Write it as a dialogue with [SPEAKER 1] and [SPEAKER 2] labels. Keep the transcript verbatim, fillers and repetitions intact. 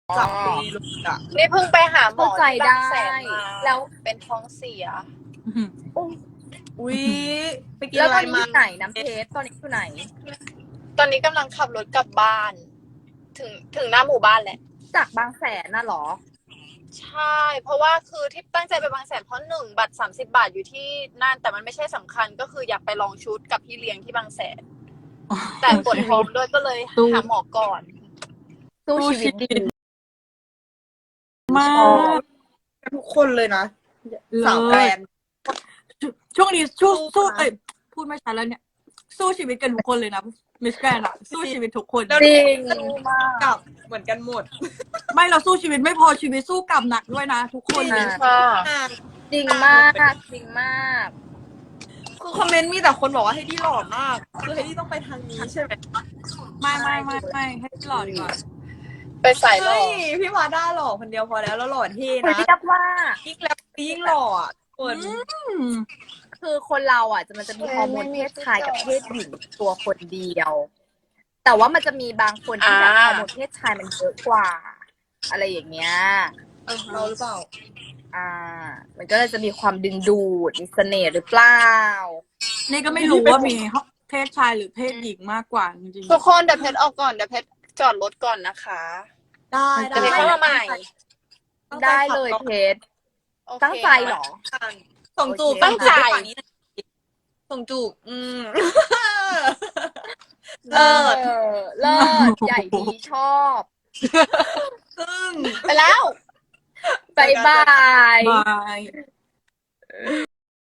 [SPEAKER 1] จับปีลูกอะ
[SPEAKER 2] นี่เพิ่งไปหาหมอ
[SPEAKER 3] เข้าใจ
[SPEAKER 2] ที่บางแสน
[SPEAKER 3] ได้
[SPEAKER 2] มา
[SPEAKER 3] แล้ว
[SPEAKER 2] เป็นท้องเสีย
[SPEAKER 1] อุ้ยไปกิน
[SPEAKER 3] แล้ว
[SPEAKER 1] อะ
[SPEAKER 3] ต
[SPEAKER 1] ไร
[SPEAKER 3] อนนี้อ
[SPEAKER 1] มา
[SPEAKER 3] ยู่ไหนน้ำเพชรตอนนี้อยู่ไหน
[SPEAKER 2] ตอนนี้กำลังขับรถกลับบ้าน ถึงถึงหน้าหมู่บ้านแหละ
[SPEAKER 3] จากบางแสนน่ะเหรอ
[SPEAKER 2] ใช่ เพราะว่าคือที่ตั้งใจไปบางแสนเพราะหนึ่งบัตรสามสิบบาทอยู่ที่นั่นแต่มันไม่ใช่สำคัญก็คืออยากไปลองชุดกับพี่เลี้ยงที่บางแสน แต่ปวดท้องด้วยก็เลยหาหมอก่อน
[SPEAKER 3] สู้ชีวิตดี
[SPEAKER 4] มา
[SPEAKER 1] ชอก บทุกคนเลยนะสาวแกรนด์
[SPEAKER 4] ช่วงนี้สู้
[SPEAKER 1] สู้
[SPEAKER 4] สู้
[SPEAKER 1] นะ
[SPEAKER 4] เอ้ยพูดไม่ชัดแล้วเนี่ย สู้ชีวิตกันทุกคนเลยนะมิสแกรนอะสู้ชีวิตทุกคน
[SPEAKER 1] แล้ว
[SPEAKER 3] จริง
[SPEAKER 1] สู้มากกับเหมือนกันหมด
[SPEAKER 4] ไม่เราสู้ชีวิตไม่พอชีวิตสู้กลับหนักด้วยนะ ทุกคนเลย
[SPEAKER 2] ค่ะ
[SPEAKER 3] จริงมากจริงมาก
[SPEAKER 1] คือคอมเมนต์มีแต่คนบอกว่าให้ดีหล่อมาก คือให้ดีต้องไปทางนี้ใช่ไหม
[SPEAKER 4] ไม่ไม่ไม่ไม่ให้หล่อดีกว่า
[SPEAKER 2] ไปใส่หรอ
[SPEAKER 1] เฮ้ยพี่วาด้าหล่อคนเดียวพอแล้วแล้วหล่อเท่
[SPEAKER 3] คือ
[SPEAKER 1] นะ
[SPEAKER 3] เรียกว่า
[SPEAKER 1] ยิ่งแล้วยิ่งหล่ออ่ะคน
[SPEAKER 4] อืม
[SPEAKER 3] คือคนเราอ่ะจะมันจะมีฮอร์โมนเพศชายกับเพศหญิงตัวคนเดียว แต่ว่ามันจะมีบางคนที่แบบ
[SPEAKER 2] อ่า
[SPEAKER 3] ฮอร์โมนเพศชายมันเยอะกว่า อะไรอย่างเงี้ย
[SPEAKER 1] เราหรือเปล่า
[SPEAKER 3] อ่า มันก็เลยจะมีความดึงดูดมีเสน่ห์หรือเปล่า
[SPEAKER 4] นี่ก็ไม่รู้ว่ามีเพศชายหรือเพศหญิงมากกว่าจริง
[SPEAKER 2] ทุกคนเดี๋ยวเพชรออกก่อนเดี๋ยวเพชรจอดรถก่อนนะคะ
[SPEAKER 1] ได้
[SPEAKER 2] เดี๋ยวเพชรเข้ามาใหม่
[SPEAKER 3] ได้เลยเพชร
[SPEAKER 2] โอเค
[SPEAKER 3] ตั้งใจเหรอ
[SPEAKER 1] ส่งจูบ
[SPEAKER 3] โอเค
[SPEAKER 2] ตั้งใจ
[SPEAKER 1] ส่จูบไปฝั่งนี้หน่อยส่งจูบอืม
[SPEAKER 3] เลิศเลิศใหญ่ดีชอบ
[SPEAKER 1] ซึ่ง
[SPEAKER 2] ไปแล้ว
[SPEAKER 3] บายบาย
[SPEAKER 4] ๆบาย